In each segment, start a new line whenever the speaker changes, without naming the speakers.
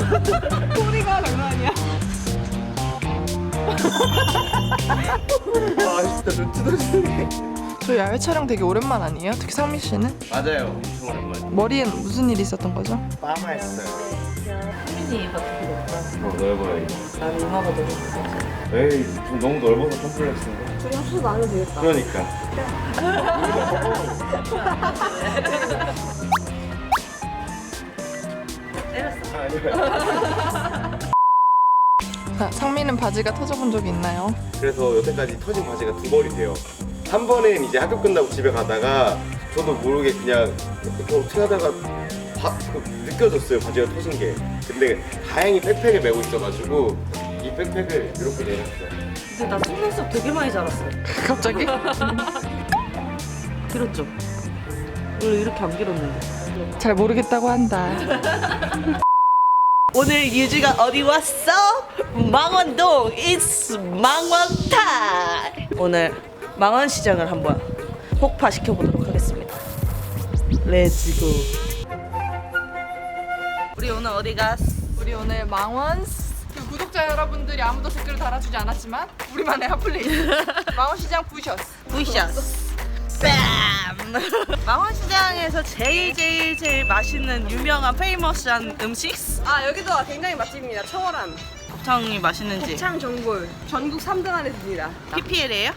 소리가 장난 아니야.
아 진짜 눈 뜯어지네.
저 야외 촬영 되게 오랜만 아니에요? 특히 상민 씨는?
맞아요. 엄청 오랜만에.
머리엔 무슨 일이 있었던 거죠?
빠마했어요.
혜민이 같은 필요 없다.
넓어요 이거.
나는 이마가 너무 커서.
에이 좀 너무 넓어서 컴플렉스인데.
둘이 합쳐서 나누면 되겠다.
그러니까.
때렸어.
아니요.
자, 상민은 바지가 터져본 적이 있나요?
그래서 여태까지 터진 바지가 두 벌이 돼요. 한 번은 이제 학교 끝나고 집에 가다가 저도 모르게 그냥 이렇게 어떻게 하다가 느껴졌어요, 바지가 터진 게. 근데 다행히 백팩을 메고 있어가지고 이 백팩을 이렇게 내렸어요.
근데 나 속눈썹 되게 많이 자랐어.
갑자기?
길었죠? 원래 이렇게 안 길었는데.
잘 모르겠다고 한다.
오늘 유주가 어디 왔어? 망원동 It's 망원타임. 오늘 망원시장을 한번 폭파시켜 보도록 하겠습니다. 렛츠고. 우리 오늘 어디 갔어?
우리 오늘 망원 그 구독자 여러분들이 아무도 댓글을 달아주지 않았지만 우리만의 핫플레이스 망원시장 부셔스.
부셔스. 뺨! 망원시장에서 제일 맛있는 유명한 페이머스한 음식?
아 여기도 굉장히 맛집입니다. 청어람,
곱창이 맛있는지.
곱창 전골 전국 3등 안에 듭니다.
PPL이에요?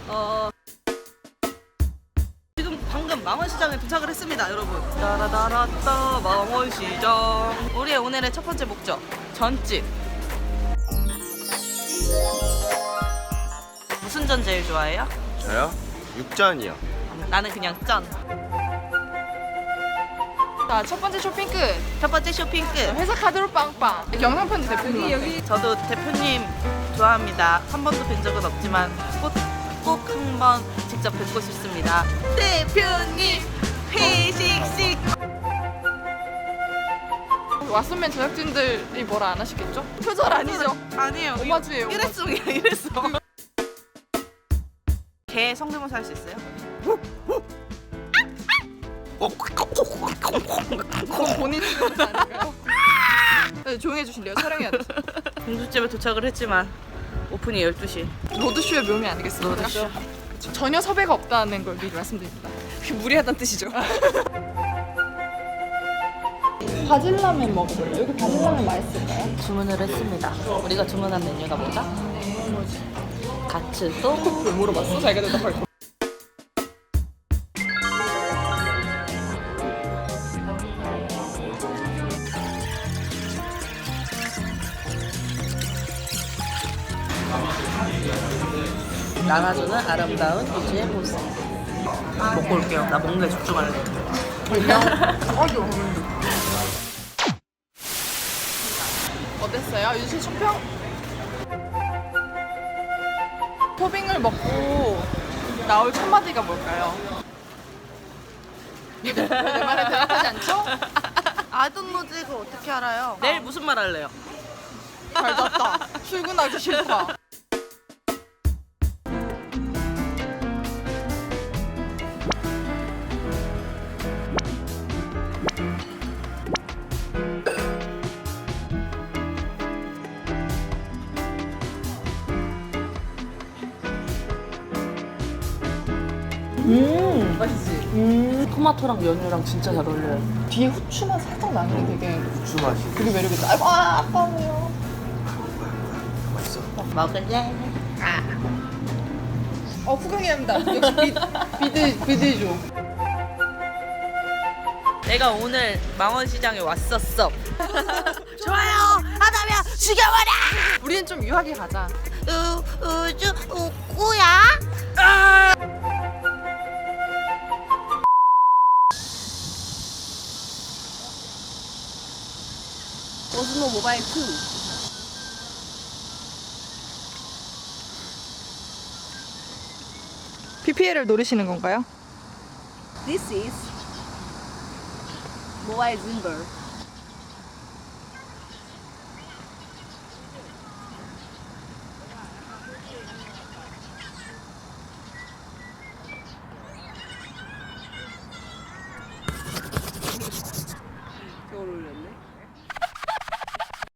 지금 방금 망원시장에 도착을 했습니다, 여러분. 따라다라따 망원시장. 우리의 오늘의 첫 번째 목적, 전집. 무슨 전 제일 좋아해요?
저요? 육전이요.
나는 그냥 전.
자, 첫 번째 쇼핑 끝.
첫 번째 쇼핑 끝.
회사 카드로 빵빵. 영상 편지 대표님.
여기
저도 대표님 좋아합니다. 한 번도 뵌 적은 없지만 꼭 한 번 직접 뵙고 싶습니다. 대표님 회식식.
왓슨맨 제작진들이 뭐라 안 하시겠죠? 표절 아니죠?
아니에요.
오마주예요.
일회성이야, 일회성. 개 성대모사 할 수 있어요?
그건 본인 표절 아닌가요? 네, 조용히 해주실래요? 촬영해야 돼.
공주집에 도착을 했지만 오픈이 12시.
로드쇼의 묘미 아니겠습니까?
로드쇼.
그쵸. 전혀 섭외가 없다는 걸 미리 말씀드립니다.
무리하다는 뜻이죠.
바질라면 먹어볼래요? 여기 바질라면 맛있을까요?
주문을 했습니다. 우리가 주문한 메뉴가 뭐죠? 가츠도 물어봤어.
자기가 대답할 거.
나눠주는 아름다운 유주의 모습. 먹고 올게요. 나 먹는 데 집중할래.
어땠어요? 유진 총평? 토빙을 먹고 나올 첫 마디가 뭘까요? 내 말에 대답하지 않죠?
아동노즈 그거 어떻게 알아요? 내일 무슨 말 할래요?
잘 잤다. 출근하기 싫다. 맛있지?
토마토랑 연유랑 진짜 잘 어울려요.
뒤에 후추만 살짝 나는 게 되게
후추 맛이.
그게 매력있다. 아이고, 아까워요.
맛있어.
먹을래?
후광이랍니다. 역시 비드죠.
내가 오늘 망원시장에 왔었어. 좋아요 하다면 죽여버려.
우리는 좀 유하게 가자.
우주 우꾸야.
오스모 모바일 2.
PPL을 노리시는 건가요?
This is 모바일 짐벌. 저걸 올려.